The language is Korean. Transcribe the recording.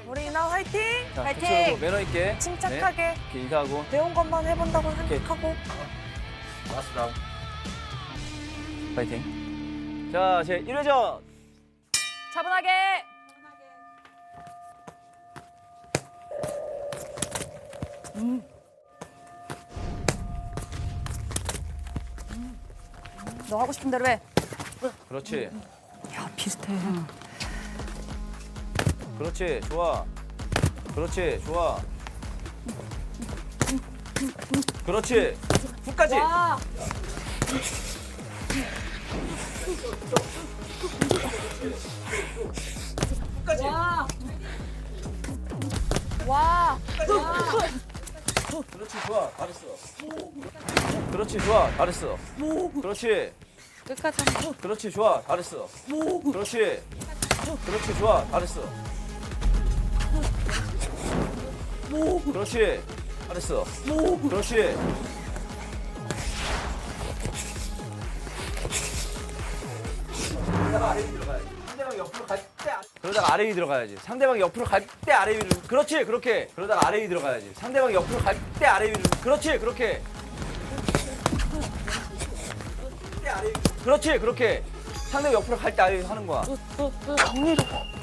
우리 이나 화이팅! 자, 화이팅! 뒤쪽으로 매너 있게. 침착하게. 네. 이렇게 인사하고. 배운 것만 해본다고 생각하고. 맞습니다. 파이팅. 자, 제 1회전. 차분하게. 너 하고 싶은 대로 해. 그렇지. 야, 비슷해. 그렇지. 좋아. 그렇지. 좋아. 그렇지. 훅까지. 와. 훅까지. 와. 와. 그렇지. 좋아. 잘했어. 그렇지. 좋아. 잘했어. 그렇지. 끝까지. 그렇지. 좋아. 잘했어. 그렇지. 그렇지. 좋아. 잘했어. 그렇지. 잘했어. 그렇지. 그러다가 아래 위 들어가야지. 상대방 옆으로 갈 때. 그러다가 아래 위 들어가야지. 상대방 옆으로 갈 때 아래 위를. 그렇지. 그렇게. 그러다가 아래 위 들어가야지. 상대방 옆으로 갈 때 아래 위를. 그렇지. 그렇게. 때 아래 위. 그렇지. 그렇게. 상대방 옆으로 갈 때 아래 위 하는 거야.